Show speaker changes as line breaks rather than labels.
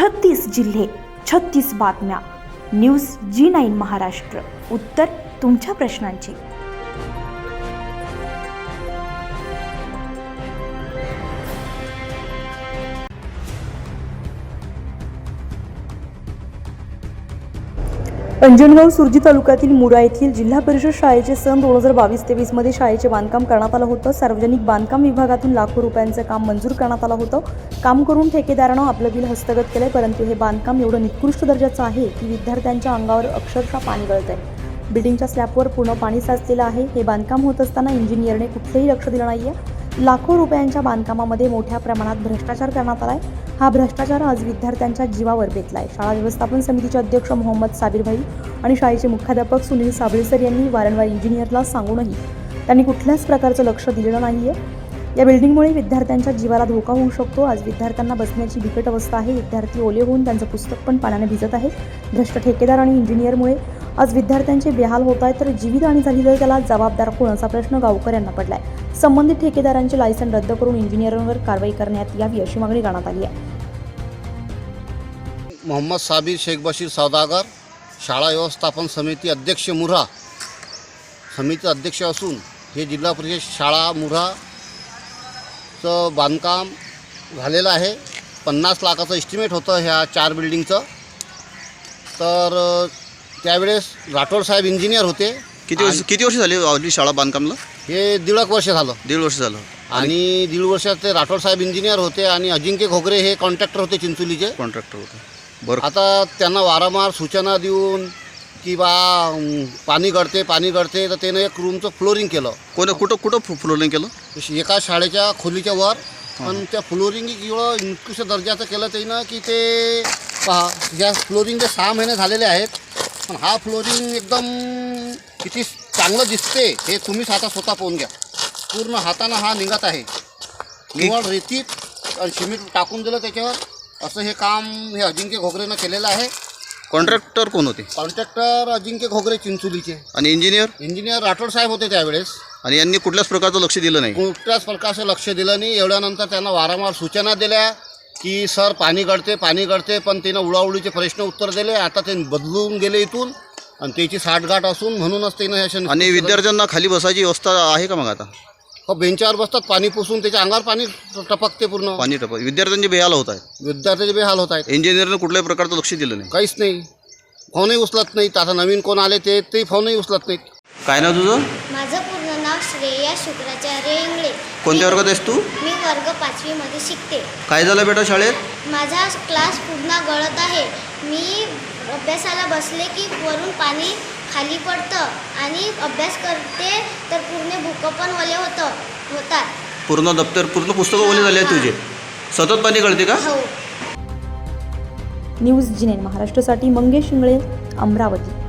36 जिल्हे, 36 बातम्या. News G9 Maharashtra. उत्तर तुमच्या प्रश्नांची. अंजनगाव सुरजी तालुक्यातील मुरा येथील जिल्हा परिषद शाळेचे सन 2022-23 मध्ये शाळेचे बांधकाम करण्यात आलं होतं. सार्वजनिक बांधकाम विभागातून लाखो रुपयांचं काम मंजूर करण्यात आलं होतं. काम करून ठेकेदारानं आपलं बिल हस्तगत केलंय, परंतु हे बांधकाम एवढं निकृष्ट दर्जाचं आहे की विद्यार्थ्यांच्या अंगावर अक्षरशः पाणी गळतंय. बिल्डिंगच्या स्लॅबवर पूर्ण पाणी साचलेलं आहे. हे बांधकाम होत असताना इंजिनियरने कुठलंही लक्ष दिलं नाहीये. लाखो रुपयांच्या बांधकामामध्ये मोठ्या प्रमाणात भ्रष्टाचार करण्यात आलाय. हा भ्रष्टाचार आज विद्यार्थ्यांच्या जीवावर बेतलाय. शाळा व्यवस्थापन समितीचे अध्यक्ष मोहम्मद साबिर भाई आणि शाळेचे मुख्याध्यापक सुनील साबळेसर यांनी वारंवार इंजिनियरला सांगूनही त्यांनी कुठल्याच प्रकारचं लक्ष दिलेलं नाहीये. या बिल्डिंगमुळे विद्यार्थ्यांच्या जीवाला धोका होऊ शकतो. आज विद्यार्थ्यांना बसण्याची बिकट अवस्था आहे. विद्यार्थी ओले होऊन त्यांचं पुस्तक पण पाण्याने भिजत आहे. भ्रष्ट ठेकेदार आणि इंजिनियरमुळे आज विद्यार्थ्यांचे बेहाल होत आहेत. तर जीवितहानी झाली तर त्याला जबाबदार कोण असा प्रश्न गावकऱ्यांना पडलाय. संबंधित ठेकेदारांचे लायसन रद्द करून इंजिनियरांवर कारवाई करण्यात यावी अशी मागणी करण्यात आली आहे.
मोहम्मद साबिर शेख बशीर सौदागर, शाळा व्यवस्थापन समिती अध्यक्ष मुरा, समिती अध्यक्ष असून हे जिल्हा परिषद शाळा मुराचं बांधकाम झालेलं आहे. 50 लाखाचं एस्टिमेट होतं ह्या 4 बिल्डिंगचं. तर त्यावेळेस राठोड साहेब इंजिनियर होते.
किती वर्ष झाली आपली शाळा बांधकामला?
हे 1.5 वर्ष झालं.
1.5 वर्ष झालं.
आणि 1.5 वर्षात ते राठोड साहेब इंजिनियर होते आणि अजिंक्य घोगरे हे कॉन्ट्रॅक्टर होते चिंचोलीचे.
कॉन्ट्रॅक्टर होते. बरं.
आता त्यांना वारंवार सूचना देऊन की बा पाणी गळते तर त्यानं एक रूमचं फ्लोरिंग केलं.
कुठं फ्लोरिंग केलं?
एका शाळेच्या खोलीच्या वर. पण त्या फ्लोरिंग एवढं निकृष्ट दर्जाचं केलं त्यानं की ते पहा, या फ्लोरिंगचे 6 महिने झालेले आहेत. पण हा फ्लोरिंग एकदम किती चांगलं दिसते हे तुम्हीच आता स्वतः पाहून घ्या. पूर्ण हातानं हा निघत आहे. निवड रेतीत आणि सिमेंट टाकून दिलं त्याच्यावर. असं हे काम हे अजिंक्य घोगरेनं केलेलं आहे.
कॉन्ट्रॅक्टर कोण होते?
कॉन्ट्रॅक्टर अजिंक्य घोगरे चिंचोलीचे.
आणि इंजिनियर
राठोड साहेब होते त्यावेळेस.
आणि यांनी कुठल्याच प्रकारचं लक्ष दिलं नाही?
कुठल्याच प्रकारचं लक्ष दिलं नाही. एवढ्यानंतर त्यांना वारंवार सूचना दिल्या की सर पाणी गळते पण त्यानं उडाउडीचे प्रश्न उत्तर दिले. आता ते बदलून गेले इथून आणि त्याची साठगाठ असून म्हणूनच त्यानं.
आणि विद्यार्थ्यांना खाली बसायची व्यवस्था आहे का मग आता?
हो, बेंचावर बसतात. पाणी पुसून त्याच्या अंगावर पाणी टपकते. पूर्ण
पाणी विद्यार्थ्यांचे बेहाल होत आहेत.
विद्यार्थ्याचे बेहाल होत आहेत.
इंजिनियरनं कुठल्याही प्रकारचं लक्ष दिलं नाही?
काहीच नाही. फोनही उचलत नाहीत. आता नवीन कोण आले ते फोनही उचलत नाहीत.
काय नाव तुझं?
माझं पूर्ण नाव श्रेया शुक्राचार्य इंगळे.
कोणत्या वर्गात आहेस तू?
मी वर्ग 5वी मध्ये शिकते.
काय झालं बेटा शाळेत?
माझा क्लास पूर्ण गळत आहे. मी अभ्यासाला बसले की वरून पाणी खाली पडतं आणि अभ्यास करते तर पूर्ण बुक पण ओले होतात.
पूर्ण दप्तर पूर्ण पुस्तकं ओले झाले आहेत तुझे? सतत पाणी गळते का?
हो.
न्यूज G9 महाराष्ट्रासाठी मंगेश इंगळे, अमरावती.